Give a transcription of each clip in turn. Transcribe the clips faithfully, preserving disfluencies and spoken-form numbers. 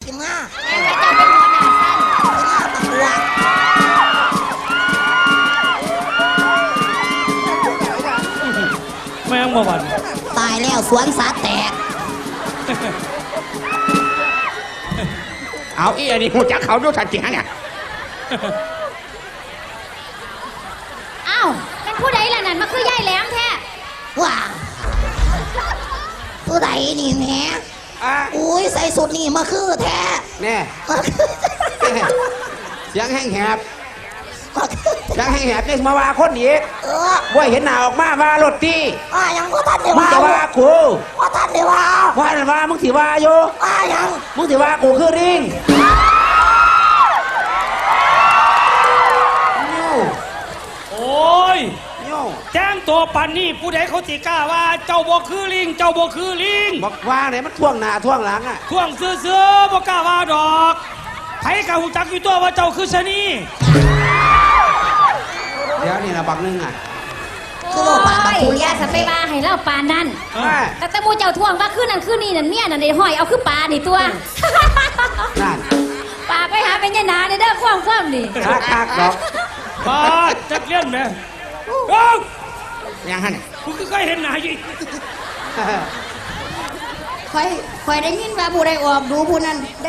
กินง่าแม่เจ้าเป็นหัวหน้าสั้นกินง่าตะกัวแม่งบ่วันตายแล้วสวนสัตว์แตกเอาอีอันนี้หูจักเขาดูทันจริงฮะเนี่ยอ้าวเป็นผู้ใดล่ะนั่นมาคือย่ายแหลมแท้ว้าผู้ใดนี่แหม่อ่ะอุ้ยใส่สุดนี่มาคือแท้แน่มาคือเสียงแห้งแหบมาคือเสียงแห้งแหบนี่มาว่าคนอีกเออว่าเห็นหน้าออกมาว่ารถตีว่ายังก็ทันเดียวมึงจะว่ากูว่าทันเดียวว่าว่านั่นว่ามึงสิว่าอยู่ว่ายังมึงสิว่ากูคือริงโอ้ยโย่แจ้งตัวปันนี่ผู้ใดเขาสิกล้าว่าเจ้าบ่คือลิงเจ้าบ่คือลิงบอกว่าเนี่ยมันท่วงหน้าท่วงหลังอ่ะท่วงซื้อๆบ่กล้าว่าดอกไผกะหูจักอยู่ตัวว่าเจ้าคือชะนีเดี๋ยวนี่นะบักนึงอ่ะคือโลกปากกับผู้อเลี้ยย่าง สเปบาให้เล่าปานนั่นเออแต่แต่หมูเจ้าท่วงว่าคืนนั้นคืนนี้นั่นเมียนั่นได้ห้อยเอาคือปลานี่ตัวนั่นปลาไปหาเป็นยายนาในเด้อคว่ำคว่ำนี่คักคักดอกปาดจักเลี้ยนแม่เอ้ายังฮะเนี่ยกูคือเคยเห็นหน้าอยู่คอยคอยได้ยินว่าผู้ใดออกดูผู้นั้นได้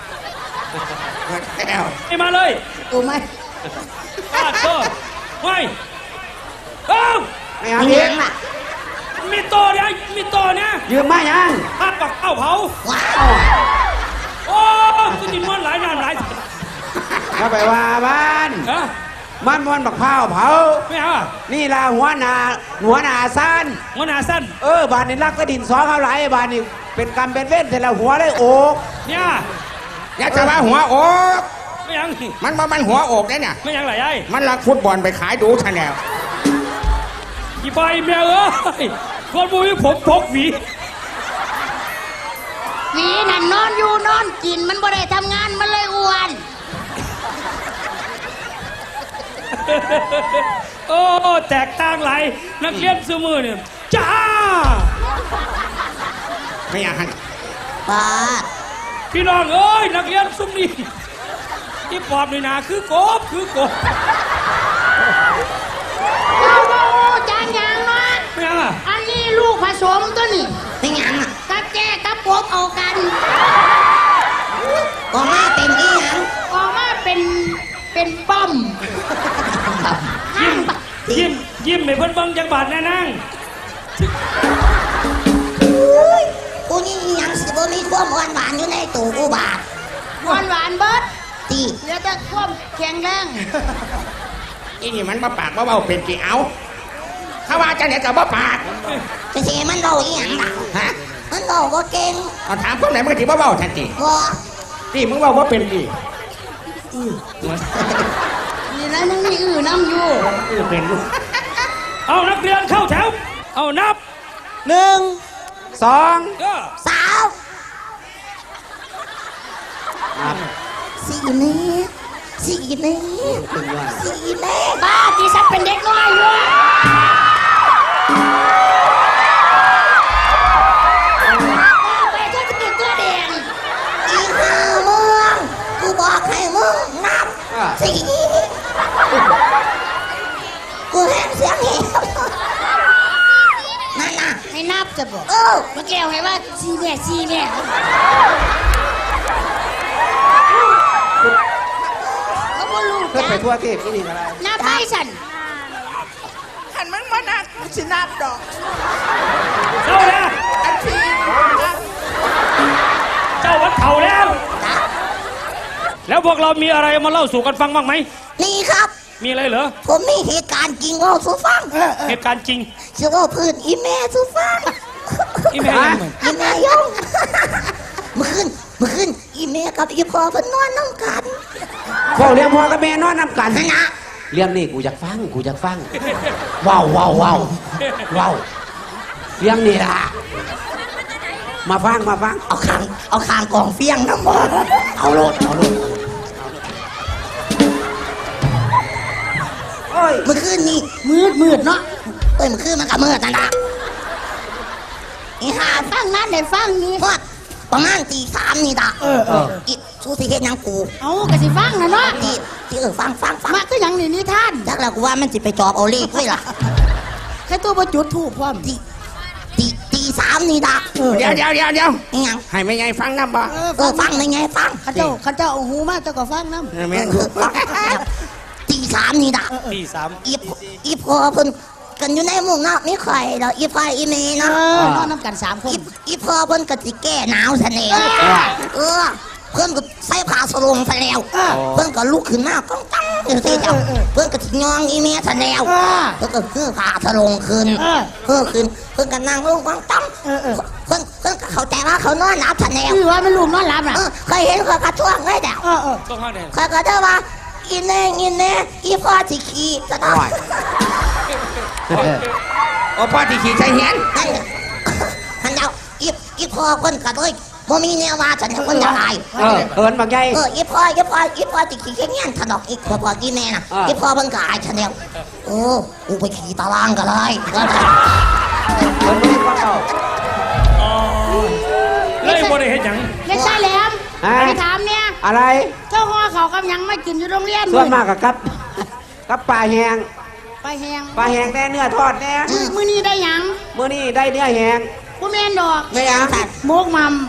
แล้วไอ้มาเลยตัวไหมปาดตัวไว้เอ้าไม่เอามีอียักงล่ะมีโตเนี่ยมีโตเนี่ยยืมมายังภาพปักเป้าเผาว้าวโอ้กูจินมันหลายนานหลายเข้าไปว่าบ้านฮะมันมันบักเผาเผาไม่เอาอะนี่ล่ะหัวหน้าหัวหน้าสั้นหัวหน้าสั้นเออบานนี่รักก็ดินสอเขาไหลายบานนี่เป็นกรรมเป็นเว้นแต่ละหัวเลยโอกเนี่ยอยากจะว่าหัวอกไม่ยังมันบ่มันหัวอกได้เนี่ยไม่ยังหลายไอ้มันลักฟุตบอลไปขายดูชาแนลอีใบแม่เอ้ยคนบุยผมพกหวีหวีนั่นนอนอยู่นอนกินมันบ่ได้ทำงานมันเลยอ้วนโอ้แตกต่างหลายนักเรียนซื้อมือเนี่ยจ้าไม่อยากหันป้าพี่น้องเอ้ยนักเรียนซุ้มนี่ที่ปอบนี่นาคือกบคือกบจานยังเนาะไม่ยังอ่ะอันนี้ลูกผสมตัวนี่เป็นยังอ่ะกับแจ้กับปบเอากันออกมาเป็นอีหยังออกมาเป็นเป็นป้อมยิ้มยิ้มยิ้มให้เพิ่นเบิ่งจังบาดแน่นั่งกูนี่อีหยังสิบ่มีความหวานหวานอยู่ในตัวกูบาทหวานหวานเบิดตีเหลือแต่ความแข็งแรงอีนี่มันมาปากมาเบาเป็นกี่เอาเขาว่าจะไหนกับว่าปากจะเสียมันเบาอีหยังล่ะฮะมันเบาบ่เก่งเอาถามพวกไหนมันก็ที่ว่าเบาทันทีบ่นี่มึงว่าว่าเป็นดีนี่แล้วยังมีอื่นน้ำอยู่เออเป็นลูกเอานักเรียนเข้าแถวเอานับหนึ่งสองเออสาวสี่นี้สี่นี้สี่นี้บ้าที่สักเป็นเด็กน้อยอยู่ไปเธอจะกินตัวแดงอีห่ามึงกูบอกให้มึงนับสี่กูแห้งเสียงเหี้ยวนั่นน่ะให้นับจะบอกเออเมื่อกี้เอาให้ว่าซีแม่ซีแม่เขาบ่รู้เพื่อจ้ะไปทั่วเทพนี่นี่อะไรนับไปสันขันมึงมานักกูสินับดอกเจ้าแล้วอันที่นับเจ้าวัดเข่าแล้ว แล้วพวกเรามีอะไรมาเล่าสู่กันฟังบ้างไหมนี่ครับมีอะไรเหรอผมมีเหตุการณ์จริงเล่าสู่ฟังเหตุการณ์จริงชื่อว่าพื้นอีแม่สู่ฟังอีแม่ยังไงอีแม่ยงเมื่อคืนเมื่อคืนอีแม่กับอีพ่อเพิ่นนอนน้ำกันพ่อเลี้ยงพ่อกับแม่นอนนำกันนั่นนะเรื่องนี้กูอยากฟังกูอยากฟังว้าวว้าวว้าวว้าวเรื่องนี้ล่ะมาฟังมาฟังเอาคางเอาคางกองเฟียงน้ำบ่เอาโลดเอาโลดโอ้ยเมื่อคืนนี่มืดมืดเนาะเอ้ยเมื่อคืนมันก็มืดนั่นละอีหาฟังนั้นได้ฟังนี่พอดประมาณตีสามนี่ดะเออเอออีชูสิเฮ็ดหยังกูเอากะสิฟังนะเนาะที่ที่เออฟังฟังฟังมาก็ยังนี่นิทานจักแล้วกูว่ามันสิไปจอบเอาเลขไว้ล่ะแค่ตัวบ่จุดถูกพร้อมตีตีตีสามนี่ดะเดี๋ยวเดี๋ยวเดี๋ยวเดี๋ยวอีหยังให้ไม่ไงฟังน้ำบ่เออเออฟังได้ไงฟังข้าเจ้าข้าเจ้าเอาหูมาเจ้าก็ฟังนำแม่นเออฟังตีสามนี่ดะตีสามอีพอีพอเพิ่นกันอยู่ในหมู่เนาะมีใครดอกอีพออีเมเอเนาะอนอนน้ำกันสามคนอีอีพอเพิ่นก็สิแก้หนาวซะแน่เออเพิ่นก็ใส่ผ้าสลงซะแล้วเพิ่นก็ลุกขึ้นมาก้องตั้งจังซี่จ้ะเพิ่นก็สิยองอีเมซะแล้วเออเพิ่นก็คือผ้าสลงขึ้นเออเพิ่นขึ้นเพิ่นก็นั่งลงก้องตั้งเออเออเพิ่นเพิ่นก็เข้าใจว่าเขานอนหลับซะแล้วคือว่ามันลูกนอนหลับน่ะเออเคยเห็นเขากระช่วงไว้แล้วเออเออต้องห้าแดงเขาก็จะว่าอีแน่อีแน่อีพ่อสิขี้ซะเนาะโอ้พ่อที่ขี่ใช้เห็นนั่นน่ะท่านเจ้าอีอีพ่อคนก็เลยบ่มีแนวว่าฉันคนจะตายเออเอินบางใหญ่เอออีพ่ออีพ่ออีพ่อสิขี้แค่เงี้ยถนอกอีพ่อพ่ออีแม่น่ะอ่าอีพ่อเพิ่นก็อายฉันแล้วโอ้กูไปขี่ตารางก็เลยก็ได้เอินบ่ฟังเอาอ๋อเลยบ่ได้เฮ็ดหยังเล็กชายแหลมฮะไปถามเนี่ยอะไรเจ้าห่อเขาวกำยังไม่กินอยู่โรงเรียนส่วนมากกับกับกับปลาแหงไปแหงปลาแหงแน่เนื้อทอดแน่มื้อนี้ได้หยังมื้อนี้ได้เนื้อแหงบ่แม่นดอกไม่ยังโมกมัม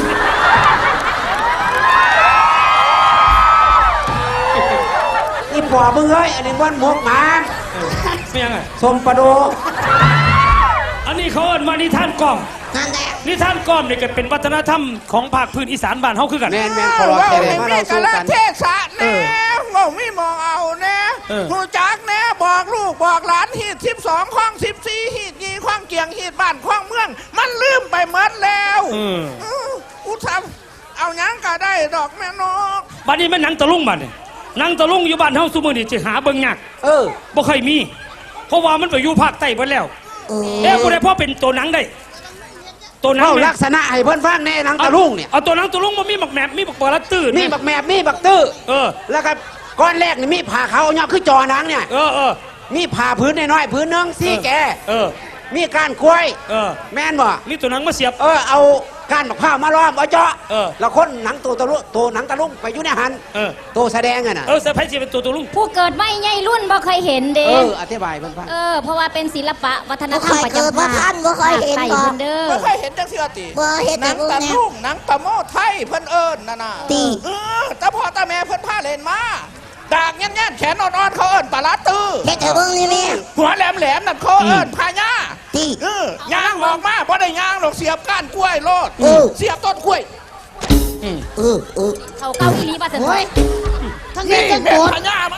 นี่ปอมึงเอ้ยอันนี้บ้านหมกหมาไม่ยังไงสมปลาโดอันนี้เขาเอิ้นว่านิทานกล่อมนั่นแหละนิทานกล่อมนี่ก็เป็นวัฒนธรรมของภาคพื้นอีสานบ้านเฮาคือกันแมนแมนขอรอว่าแค่ไหนให้มามีเรากะสู้ละกันเทศะแน่ว่ามีมองเอาแน่เออหูจักแน่บอกลูกบอกหลานฮีดสิบสองข้องสิบสี่ฮีดยีข้องเกียงฮีดบ้านข้องเมือง มันลืมไปหมดแล้วเออเอออุทำเอาหยังก็ได้ดอกแม่นกบัดนี้มันหนังตะลุงบัดนี่หนังตะลุงอยู่บ้านเฮาซุมื้อนี้สิหาเบิ่งยากเออบ่เคยมี เพราะว่ามันไปอยู่ภาคใต้เบิดแล้วเออเอ๊ะบ่ได้พอเป็นตัวหนังได้ ตัวหนังเข้าแม่ลักษณะให้เพิ่นฟังแน่หนังตะลุงเนี่ยเอาตัวหนังตะลุงบ่มีบักแหนบมีบักบอละตื้อมีบักแมบมีบักตื้อเออแล้วก็ก้อนแรกนี่มีผ่าเขาวเนี่ยคือจอหนังเนี่ยเออเออมีผ่าพื้นน้อยๆพื้นหนึงซี่แกเออมีการกล้วยเออแม่นบ่นี่ตัวหนังมาเสียบเออเอาการมะพร้าวมาล้อมเอาเจาะเออแล้วคนหนังตัวตะลุตัวหนังตะลุงไปอยู่ในหันเออตัวแสดงอะน่ะเออเซอร์ไพรส์สิเป็นตัวตะลุงผู้เกิดไม่ใหญ่รุ่นบ่เคยเห็นเด้เอออธิบายเพิ่นฟังเออ เพราะว่าเป็นศิลปะวัฒนบ่ธรเครมยประเกิดจำว่าภาคท่านบ่เคยเห็นใต้ก่อเพิ่นนเด้อไม่เคยเห็นจังเสือติบ่เห็นหแต่นังพวกตะเนี้ยลุ่งหนังตะโมไทยเพิ่นเอิญน่ะน่ะตีเออตาพ่อตาแม่เพิ่นพาเล่นมาดากแง่นๆแขนอ่อนๆเขาเอิญปลาลาตื้อเฮ็ดแต่เบิ่งนี่แม่หัวแหลมๆนั่นเขาเอิญพาญาตีเออย่างออกมาบ่ได้ย่างหรอกเสียบก้านกล้วยโลดเออเสียบต้นกล้วยเออเออเขาเก้าอีหลีบ่ซั่นโอ้ยทั้งนี่เฮ็ดทั้งแม่โกรธพาญามัน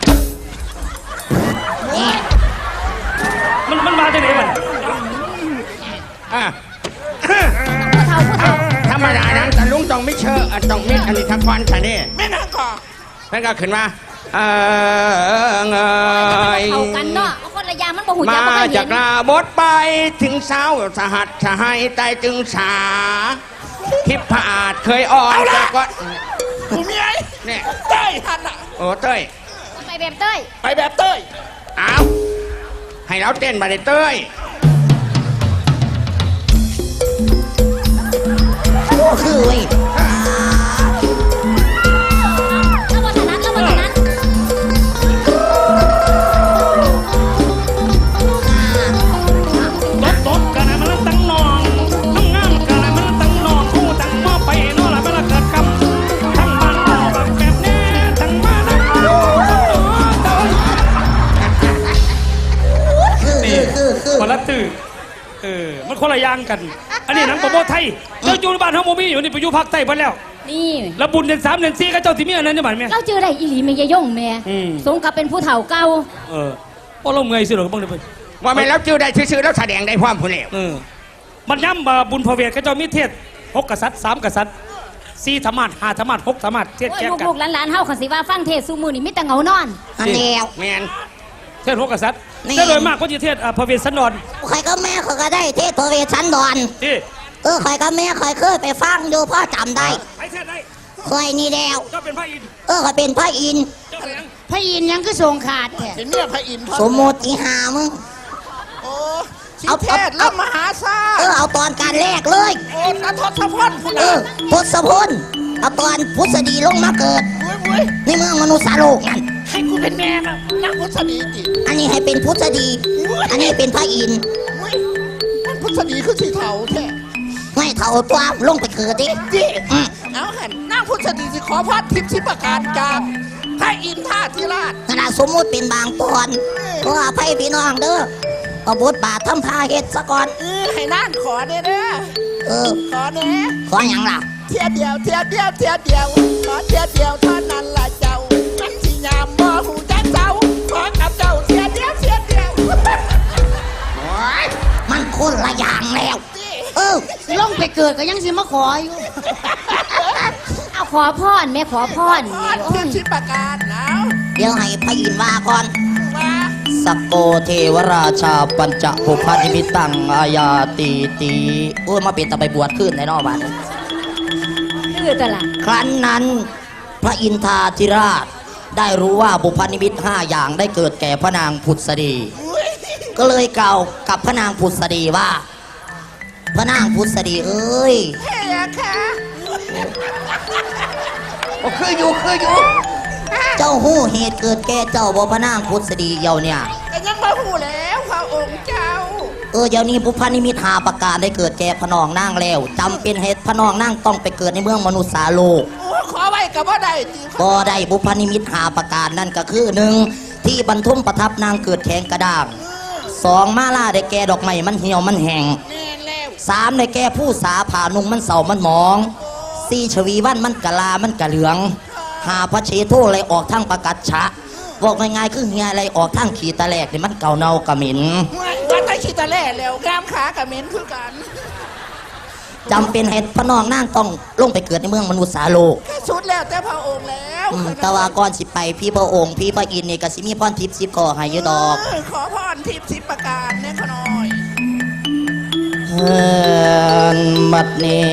นี่มันมันมาจากไหนมันอ่ะผู้เฒ่าผู้เฒ่าธรรมดานั้นแต่ลุงต้องไม่เชื่ออ่ะต้องมีอันนี้ทักวันค่ะนี่แม่นางก่อเพิ่นก็ขึ้นมาเออเงยเข้ากันเนาะเอาคนละอย่างมันบ่หูจัมากบ่เคยจาเห็กนนาบทไปถึงสาวสหัสสหายใต้จึงสาทิพผาดเคยอ่อนจากก็กูมีไอ้เนี่ยเต้ยหันน่ะโอ้เต้ยไปแบบเต้ยไปแบบเต้ยเอาให้เราเต้นมาเลยเต้ยโอ้คือเว้ยแล้ววัฒนธรรมแล้ววัฒนธรรมตบตบกันนะมันตั้งนองน้ำงามกันนะมันตั้งนองคู่ตั้งหม้อไปโน่นละมันละเกิดคำทั้งบ้านนอกแบบแบบแน่ทั้งบ้านนอกคือคือคือคือคนละตื้อเออมันคนละอย่างกัน อันนี้หนังโปรโมไทยเจ้าอยู่ในบ้านเฮาบ่มีอยู่นี่ไปอยู่ภาคใต้เพิ่นแล้วนี่แล้วบุญเดือนสามเดือนสี่ก็เจ้าสิมีอันนั้นได้บัดแม่เราเจอได้อีหลีแม่ยายยงแม่อืมสมกับเป็นผู้เฒ่าเก่าเออบ่เราเมื่อยสิหรอกบ้างเด้อเพิ่นว่าไม่นแล้วจื้อได้ชื่อๆแล้วแสดงได้พร้อมผู้เลี้ยวเออมันย้ำว่าบุญพระเวทก็เจ้ามีเทศหกกษัตริย์สามกษัตริย์สี่ธรรมาสห้าธรรมาสหกธรรมาสเทศโอ้ยแก่กันลูกๆหลานๆเฮาคันสิว่าฟังเทศน์ซุมื้อนี่มีแต่เหงานอนอันเดียวแมนเทศหกกษัตริย์นี่แต่โดยมากก็จะเทศอ่าพระเวสสันดรใครก็แม่เขาก็ได้เทศพระเวสสันดรที่เออใครก็แม่ใครเคยไปฟังดูพ่อจำได้ไปเทศได้เคยนี่แล้วเจ้าเป็นพระอินทร์เออเขาเป็นพระอินทร์เจ้าเป็นหยังพระอินทร์ยังคือทรงขาดแท้เห็นเมียพระอินทร์ทอดสมมติอีหามึงโอ้สิเอาเทเอาศและเอามหาศาลเออเอาตอนการแรกเลยโอ้ตาทศพลคุณเอน่ะอพุทธพลเอาตอนพุทธดีลงมาเกิดโอ้ยโอ้ยในเมืองมนุษย์โลกนั่นให้กูเป็นแม่นะนางพุทธดีจิอันนี้ให้เป็นพุทธดี อันนี้เป็นพระอินทร์โอ้ยนางพุทธดีคือสีเทาแท้ไม่เท่าตัวลงไปเกิดดิจิอืมเอาหันนางพุทธดีสิขอพรทิพย์ทิพย์ประการจากพระอินทร์ท่าธิราชขนาดสมมุติเป็นบางตอนก็อภัยพี่น้องเด้อเอาบทบาททำพาเฮ็ดซะก่อนเออให้นางขอเด้อเด้อเออขอเด้อขออย่างล่ะเทียเดียวเทียเดียวเทียเดียวขอเทียเดียวเท่านั้นละเจ้ามันสิยามบ่หูจักเจ้าขอกับเจ้าเทียเดียวเทียเดียวมันคนละอย่างแล้ว เออสิลงไปเกิดก็ยังสิมาขออยู่เอาขอพรแม่ขอพรขอเทียบชิประกาศนะเดี๋ยวให้พระอินทร์ว่าก่อนว่าสักโกเทวราชาปัญจภูพานิมิตังอาญาตีตีโอ้ยมาเป็นตะไปบวชขึ้นในนอกบ้านคือตวละครั้นนั้นพระอินทราธิราชได้รู้ว่าบุพนิมิตห้าอย่างได้เกิดแก่พระนางผุดสดี ก็เลยกล่าวกับพระนางผุดสดีว่า พระนางผุดสดีเอ้ยเฮ้ยค่ะโอ้คืออยู่คืออยู่เจ้าหู้เหตุเกิดแก่เจ้าบ่พระนางผุดสดีเยาเนี่ยแต่ยังมาหูแล้วพระองค์เจ้าเออเดี๋ยวนี้บุพนิมิตหาประการได้เกิดแก่พระนองนางแล้วจำเป็นเหตุพระนองนางต้องไปเกิดในเมืองมนุษย์สาโลกโอ้ขอไว้กับว่าได้จริงก็ได้บุพนิมิตหาประการนั่นก็คือหนึ่งที่บรรทุมประทับนางเกิดแข็งกระด้างสองมาล่าได้แก่ดอกไม้มันเหี่ยวมันแห้งแม่นแล้วสามได้แก่ผู้สาผ่านุงมันเสามันหมองสี่ชวีวันมันกะลามันกะเหลืองหาพระเชโทอะไรออกทั้งประกัดชะบอกง่ายๆคือเฮียอะไรออกทั้งขีตะแหลกนี่มันเก่าเน่ากระเหม็นว่าไตขี้ตะแล่แล้วกล้ามขากับเม้นคือกันจำเป็นเหตุพระนองนางต้องลงไปเกิดในเมืองมนุษย์สาโลกแค่ชุดแล้วแต่พระองค์แล้วอืมแต่ว่าก่อนสิไปพี่พระองค์พี่พระอินทร์นี่ก็สิมีพรทิพย์สิบก่อให้อยุดอกเออขอพรทิพย์ทิพย์ประการเนี่ยขอหน่อยเฮินบัดนี้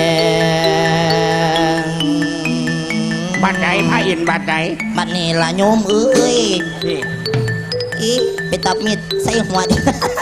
บัดใดพระอินทร์บัดใดบัดนี้ละโยมเอ้ยอีไปตับมีดใส่หัวดิ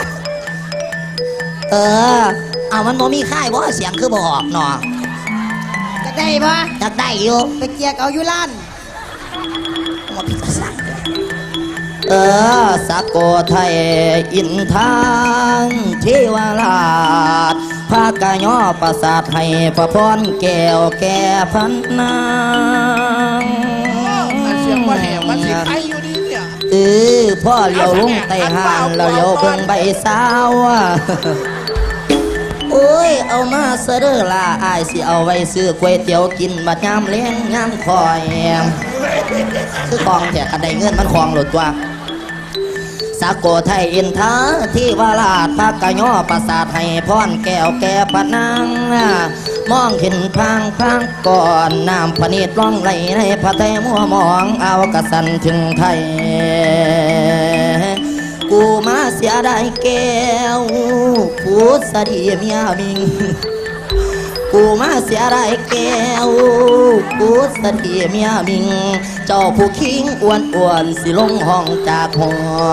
เออ เอามันบ่มีค่ายบ่เสียงคือบ่ออกเนาะจะได้ปะอยากได้อยู่ไปเกียกเอาอยู่ล้านมาพิจารณาเออสักโกไทยอินทางเทวราชพากะย่อประสาทให้พระพรแก้วแก่พันนางมันเสียงว่าแหงมันสิใครอยู่ดีเนี่ยเออพ่อเลี้ยวลุงไต่ห่างเราเลี้ยวเบิ่งใบสาวโอ้ยเอามาเสดอลาอายสิเอาไว้ซื้อก๋วยเตี๋ยวกินบัดยามเลี้ยงยามคอยคือคลองแถกันได้เงินมันคลองหลุดตัวสาโกไทยอินทาที่วาลาดพากะย่อประสาทให้พรแก้วแก่ปะนางมองเห็นพางพางก่อนน้ำพะเนตรล่องไหลในพระไทยมัวมองเอากระสันถึงไทยกูมาเสียได้แก้วพูดสดีเมียมิงกูมาเสียได้แก้วพูดสดีเมียมิงเจ้าผู้คิงอ้วนอ้วนสิลงห้องจากหอ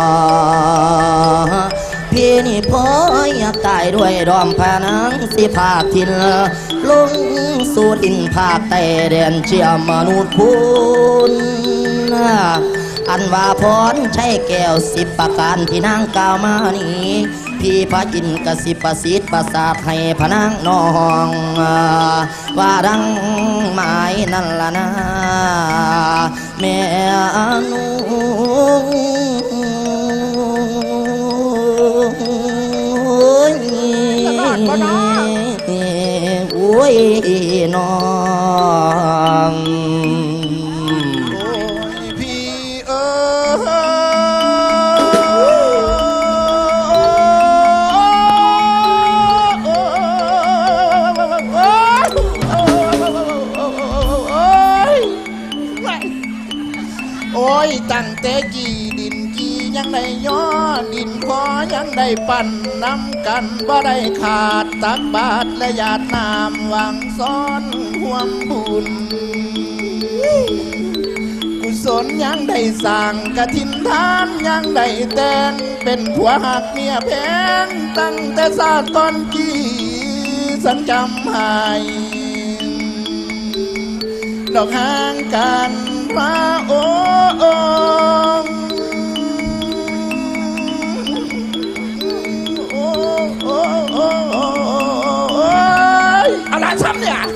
พี่นี่พ่ออยากตายด้วยดอมพานังสิภาคทินลงสู่ดินภาคใต้แดนเชียมนุษย์พูนอันว่าพรใช้แก้วสิบประการที่นางกล่าวมานี้พี่พระอินทร์กสิประสิทธิ์ประสาทให้พระนางน้องว่าดังหมายนั่นละนะแม่นูโอ้ยน้องโอ้ยพี่เอ๋ยโอ้ยตั้งแต่กี่ดินกี่ยังได้ย้อดินพอยังได้ปั่นน้ำกันบ่ได้ขาดตักบาทและหยาดน้ำหวังซ้อนห่วมบุญกุศลยังได้สั่งกะทินทานยังได้แต่งเป็นผัวหักเมียแพงตั้งแต่ศาสตร์ตอนกี้สันจำหายดอกห่างกันพระองค์โอ้โอ้โอ้โอ้โอ้ยอะไรซ้ำเนี่ย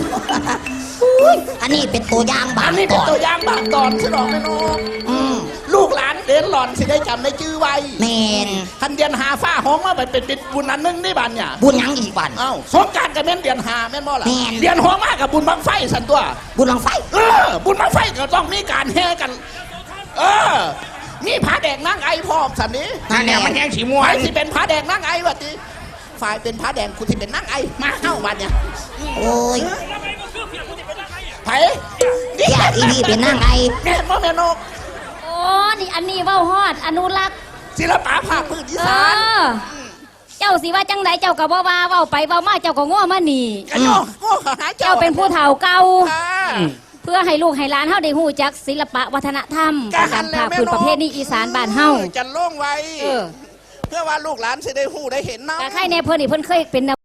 อันนี้เป็นตัวอย่างบาอังนนี้ตเป็นอนตัวอย่างบางตอนสนองแม่นกอืมลูกหลานเดินหล่อนสิได้จำได้ชื่อไว้แมนทันเดือนหาฟ้าห้องมาไปเป็นบุญอันหนึงนี่บันเนี่ยบุญหยังอีกวันเอ้าสงกรารกับแม่นเดือนหาแม่นบ่ล่ะแม่นเดือนห้องมากับบุญบังไฟสันตัวบุญหลังไฟเออ บุญบังไฟก็ต้องมีการแห่กัน เออ มีผาแดกนั่งไอพร้อมสันนี้นั่นแหละมันแห้งสีม่วฝ่ายนที่เป็นผาแดงนั่งไอวะทีฝ่ายเป็นผาแดงคุณที่เป็นนั่งไอมาเข้าบันเนี่ยโอ้ยไผ่นี่อยากอีนี่เป็นนางไอแม่นบ่แม่นกโอ้นี่อันนี้เว้าฮอดอนุรักษ์ศิลปะภาคพื้นอีเอสานอ เจ้าสิว่าจังไดเจ้าก็บ่ว่าเว้าไปเว้ามาเจ้าก็ง้อมานี่กันโยกโง่หาเจ้าเจ้าเป็นผู้เฒ่าเก่าอ่าเพื่อให้ลูกให้หลานเฮาได้ฮู้จักศิลปะวัฒนธรรมการภาคพื้นประเภทนี้อีสานบ้านเฮาจะโล่งไว้เออเพื่อว่าลูกหลานสิได้หู้ได้เห็นเนาะแต่ใครแน่เพิ่นนี่เพิ่นเคยเป็น